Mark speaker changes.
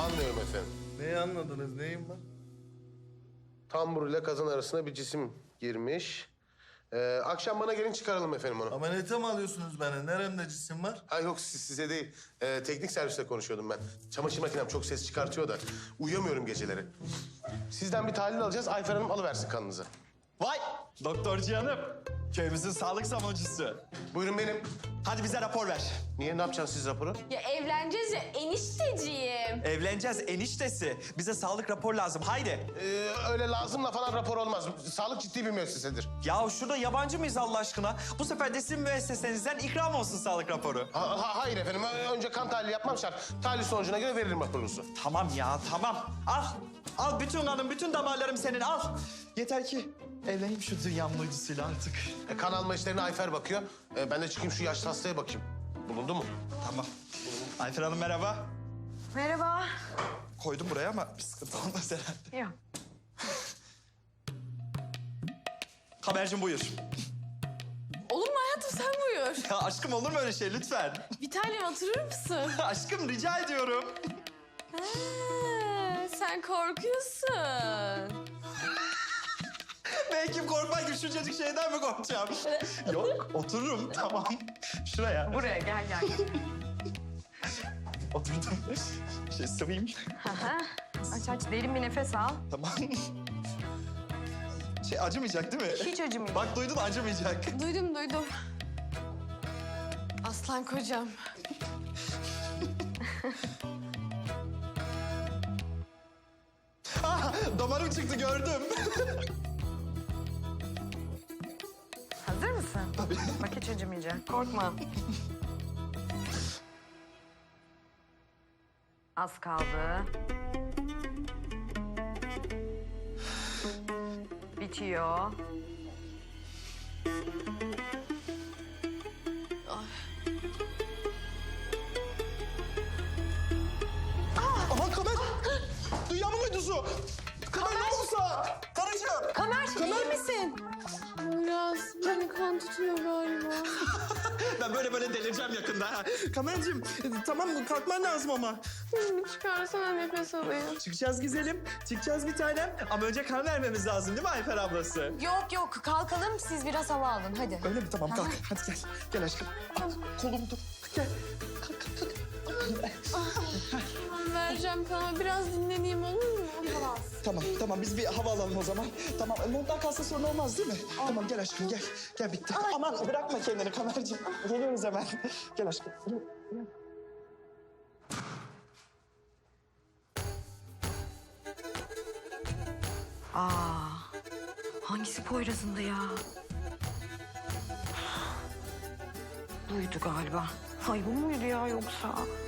Speaker 1: Anlıyorum efendim.
Speaker 2: Neyi anladınız? Neyim var?
Speaker 1: Tambur ile kazan arasına bir cisim girmiş. Akşam bana gelin çıkaralım efendim onu.
Speaker 2: Ameliyata mı alıyorsunuz beni? Neremde cisim var?
Speaker 1: Ha yok size değil. Teknik serviste konuşuyordum ben. Çamaşır makinem çok ses çıkartıyor da uyuyamıyorum geceleri. Sizden bir tahlil alacağız. Ayfer Hanım alıversin kanınızı.
Speaker 3: Vay doktorcu hanım. Köyümüzün sağlık savunucusu.
Speaker 1: Buyurun benim.
Speaker 3: Hadi bize rapor ver.
Speaker 1: Niye ne yapacaksınız siz raporu?
Speaker 4: Ya evleneceğiz ya enişteciğim.
Speaker 3: Evleneceğiz eniştesi. Bize sağlık rapor lazım. Haydi.
Speaker 1: Öyle lazımla falan rapor olmaz. Sağlık ciddi bir müessesedir.
Speaker 3: Ya şurada yabancı mıyız Allah aşkına? Bu sefer de sizin müessesenizden ikram olsun sağlık raporu.
Speaker 1: Hayır efendim. Önce kan tahlili yapmam şart. Tahlil sonucuna göre veririm raporunuzu.
Speaker 3: Tamam ya tamam. Al. Al bütün kanım, bütün damarlarım senin al. Yeter ki evleneyim şu dünyanın uydusuyla artık.
Speaker 1: Kan alma işlerine Ayfer bakıyor. Ben de çıkayım şu yaşlı hastaya bakayım. Bulundu mu?
Speaker 3: Tamam. Ayfer Hanım merhaba.
Speaker 4: Merhaba.
Speaker 3: Koydum buraya ama bir sıkıntı olmaz herhalde.
Speaker 4: Yok.
Speaker 3: Habercim buyur.
Speaker 4: Olur mu hayatım sen buyur.
Speaker 3: Ya aşkım olur mu öyle şey lütfen?
Speaker 4: Bir tane oturur musun?
Speaker 3: Aşkım rica ediyorum.
Speaker 4: Ha, sen korkuyorsun.
Speaker 3: Belki korkmak gibi şuncacık şeyden mi korkacağım? Yok otururum tamam. Şuraya.
Speaker 4: Buraya gel.
Speaker 3: Oturdum. Sıvayım.
Speaker 5: Aç derin bir nefes al.
Speaker 3: Tamam. Acımayacak değil mi?
Speaker 5: Hiç acımayacak.
Speaker 3: Bak duydun acımayacak.
Speaker 4: Duydum. Aslan kocam.
Speaker 3: Damarım çıktı gördüm.
Speaker 5: Hazır mısın? Tabii. Bak hiç acımayacak. Korkma. Az kaldı. Bitiyor.
Speaker 3: Aman Kamer! Dünyamın uydusu! Kamer ne olursa! Karıcığım!
Speaker 5: Kamer, iyi misin?
Speaker 4: Biraz beni kan tutuyor galiba.
Speaker 3: Ben böyle delireceğim yakında. Ha. Kamercığım tamam mı? Kalkman lazım ama.
Speaker 4: Çıkarsana nefes alayım.
Speaker 3: Çıkacağız güzelim. Çıkacağız bir tanem. Ama önce kan vermemiz lazım değil mi Ayfer ablası?
Speaker 5: Yok kalkalım siz biraz hava alın hadi.
Speaker 3: Öyle mi? Tamam kalk. Hadi gel. Gel aşkım. Al, kolumu tut. Gel. Kalk.
Speaker 4: Vereceğim kana biraz dinleneyim olur mu?
Speaker 3: Tamam biz bir hava alalım o zaman. Tamam monttan kalsa sorun olmaz değil mi? Tamam gel aşkım gel. Gel bitti. Aman bırakma kendini Kamerciğim. Geliyoruz hemen. Gel aşkım.
Speaker 5: Hangisi Poyraz'ındı ya? Duydu galiba. Ay bu muydu ya yoksa?